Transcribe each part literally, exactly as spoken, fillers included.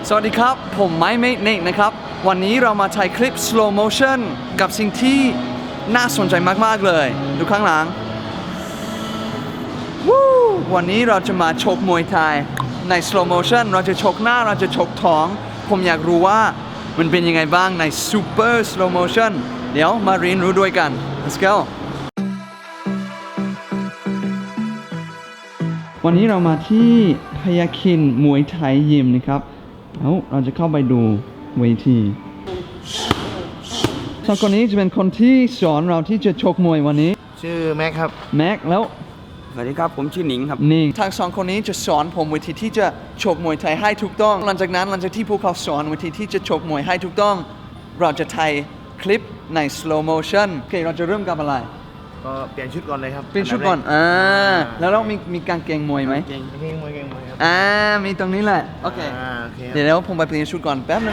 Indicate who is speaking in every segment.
Speaker 1: สวัสดีครับผมไมค์เมฆเนกนะครับวันนี้เรามาถ่ายคลิป slow motion กับสิ่งที่น่าสนใจมากๆเลยดูข้างหลังวู้วันนี้เราจะมาชกมวยไทยใน slow motion เราจะชกหน้าเราจะชกท้องผมอยากรู้ว่ามันเป็นยังไงบ้างใน super slow motion เดี๋ยวมาเรียนรู้ด้วยกัน let's go วันนี้เรามาที่พยาคินมวยไทยยิมนะครับแล้วเราจะเข้าไปดูเวทีสองคนนี้จะเป็นคนที่สอนเราที่จะชกมวยวันนี้
Speaker 2: ชื่อแม็กครับ
Speaker 1: แม็กแล้ว
Speaker 3: สวัสดีครับผมชื่อหนิงครับ
Speaker 1: นิงทางสองคนนี้จะสอนผมวิธีที่จะชกมวยไทยให้ถูกต้องหลังจากนั้นหลังจากที่พวกเขาสอนวิธีที่จะชกมวยให้ถูกต้องเราจะถ่ายคลิปใน slow motion โอเคเราจะเริ่มกับอะไร
Speaker 2: ก็เปลี่ยนชุดก่อนเลยครับ
Speaker 1: เปลี่ยนชุดก่อนอ่าแล้วเรามีมีกางเกงมวยไหม
Speaker 2: เกงเกงมวยเกงมวยครับ
Speaker 1: อ่ามีตรงนี้แหละโอเคเดี๋ยวผมไปเปลี่ยนชุดก่อนแป๊บนึง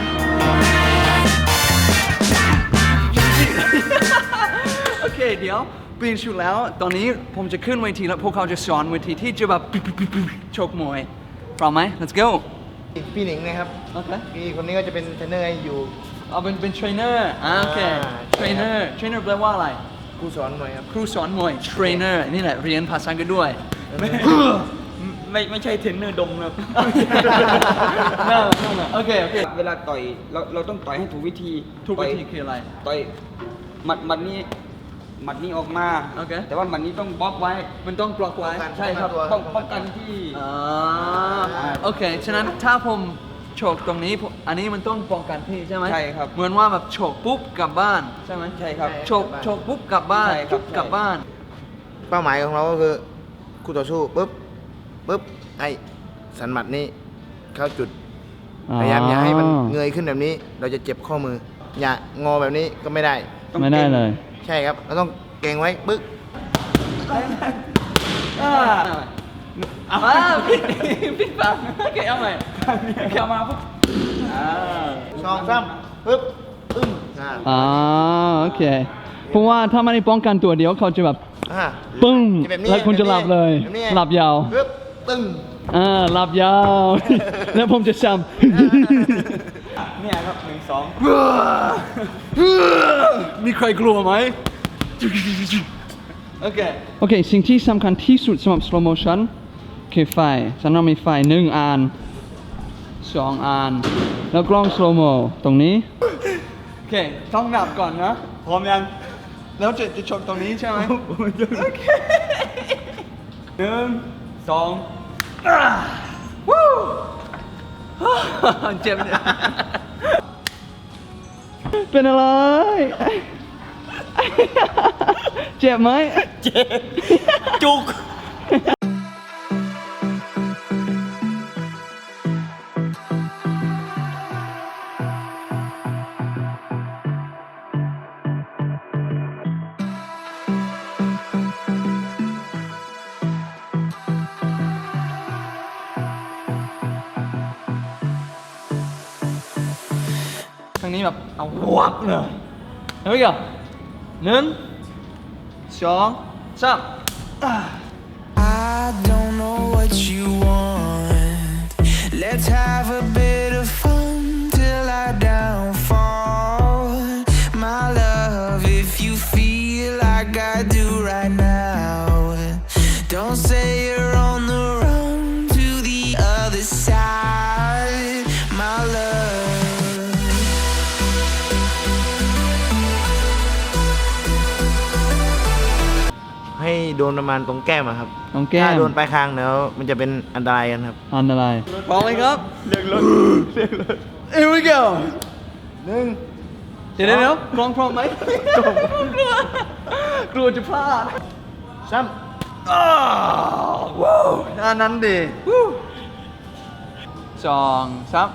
Speaker 1: โอเคเดี๋ยวเปลี่ยนชุดแล้วตอนนี้ผมจะขึ้นเวทีแล้วพวกเขาจะสอนเวทีที่จะแบบชกมวยพร้อมไหม let's go
Speaker 2: พี่หนิงนะครับ
Speaker 1: โอเค
Speaker 2: พี่คนนี้ก็จะเป็นเทรนเนอร์ให้อยู่
Speaker 1: เอาเป็นเป็นเทรนเนอร์อ่าโอเคเทรนเนอร์เทรนเนอร์แปลว่าอะไร
Speaker 2: ครูสอนมวยครับ
Speaker 1: ครูสอนมวยเทรนเนอร์นี่แหละเรียนภาษาอังกฤษด้วย
Speaker 3: ไม่ไม่ใช่เทรนเนอร์ดมครับ
Speaker 1: นั่นนั่นโอเคโอเค
Speaker 3: เวลาต่อยเราเราต้องต่อยให้ถูกวิธี
Speaker 1: ถูกวิธีคืออะไร
Speaker 3: ต่อยหมัดหมัดนี้หมัดนี้ออกมา
Speaker 1: โอเค
Speaker 3: แต่ว่าหมัดนี้ต้องบล็อกไว้
Speaker 1: มันต้องบล็อกไว้
Speaker 3: ใช่ครับป้องป้องกันที่
Speaker 1: อ่าโอเคฉะนั้นถ้าผมโฉกตรงนี้อันนี้มันต้องป้องกันพี่ใช่ไหม
Speaker 3: ใช่ครับ
Speaker 1: เหมือนว่าแบบโฉกปุ๊บกลับบ้านใช่ไหม
Speaker 3: ใช่ครับ
Speaker 1: โฉกโฉกปุ๊บกลับบ้านปุ๊บกลับบ้าน
Speaker 2: เป้าหมายของเราก็คือคู่ต่อสู้ปุ๊บปุ๊บไอ้สันหมัดนี้เข้าจุดพยายามอย่าให้มันเงยขึ้นแบบนี้เราจะเจ็บข้อมืออย่างอแบบนี้ก็ไม่ได้
Speaker 1: ไม่ได้เลย
Speaker 2: ใช่ครับเราต้องเก่งไว้ปึ๊ก
Speaker 1: เอามาพี่พี่ฟังโอเคเอาใหม่เอามาปุ๊บ
Speaker 2: สองสามปึ๊บปึ้ง
Speaker 1: อ่าโอเคเพราะว่าถ้าไม่ได้ป้องกันตัวเดียวเขาจะแบบปึ้งแล้วคุณจะหลับเลยหลับยาว
Speaker 2: ปึ๊บปึ้ง
Speaker 1: อ่าหลับยาวแล้วผมจะจำ
Speaker 3: เนี่ยครับหนึ่งสอง
Speaker 1: มีใครกลัวไหมโอเคโอเคสิ่งที่สำคัญที่สุดสำหรับ slow motion คือไฟฉันเรามีไฟหนึ่งอันสองอันแล้วกล้อง slow mo ตรงนี้โอเคต้องนับก่อนนะพร้อมยังแล้วจะจะชกตรงนี้ใช่ไหมโอเคหนึ่งสองวู้เจ็บเนี่ยเป็นอะไรเจ็บไหม
Speaker 3: เจ็บจุก
Speaker 1: ทางนี้แบบเอาวับเลยเฮ้ยก่อนหนึ่งสองสาม I don't know what you want Let's have a bit of fun till I downfall My love if you feel like I do right now Don't say you're on the run to the other side My love
Speaker 2: ให้โดนประมาณตรงแก้มอะครับ
Speaker 1: ตรงแก้ม
Speaker 2: ถ้าโดนปลายคางแล้วมันจะเป็นอันตรายกันครับ
Speaker 1: อันตรายพร้อมไหมครับ
Speaker 2: เรียกรถเรียกรถ
Speaker 1: Here we go
Speaker 2: หนึ่ง
Speaker 1: เดี๋ยวเดี๋ยวกล้องพร้อมไหมกลัวกลัวจะพลาด
Speaker 2: ซ้
Speaker 1: ำอ้าวว้าวอันนั้นดิสองสาม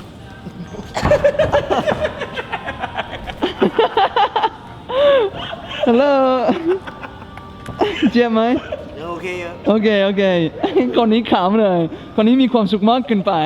Speaker 1: ฮัลโหลเจ็บไหม
Speaker 2: โอเค
Speaker 1: โอเคโอเคคนนี้ขำเลยคนนี้มีความสุขมากเกินไป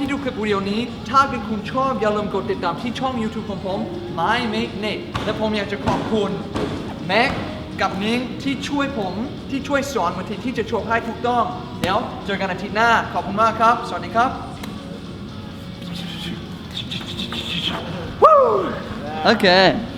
Speaker 4: ที่ดูคลิปวิดีโอนี้ ถ้าเกิดคุณชอบอย่าลืมกดติดตามที่ช่อง YouTube ของผม My Make Nate และผมอยากจะขอบคุณแม็กกับนิ้งที่ช่วยผมที่ช่วยสอนวิธีที่จะโชว์ให้ถูกต้องเดี๋ยวเจอกันอาทิตย์หน้าขอบคุณมากครับสวัสดีครับ
Speaker 3: Okay.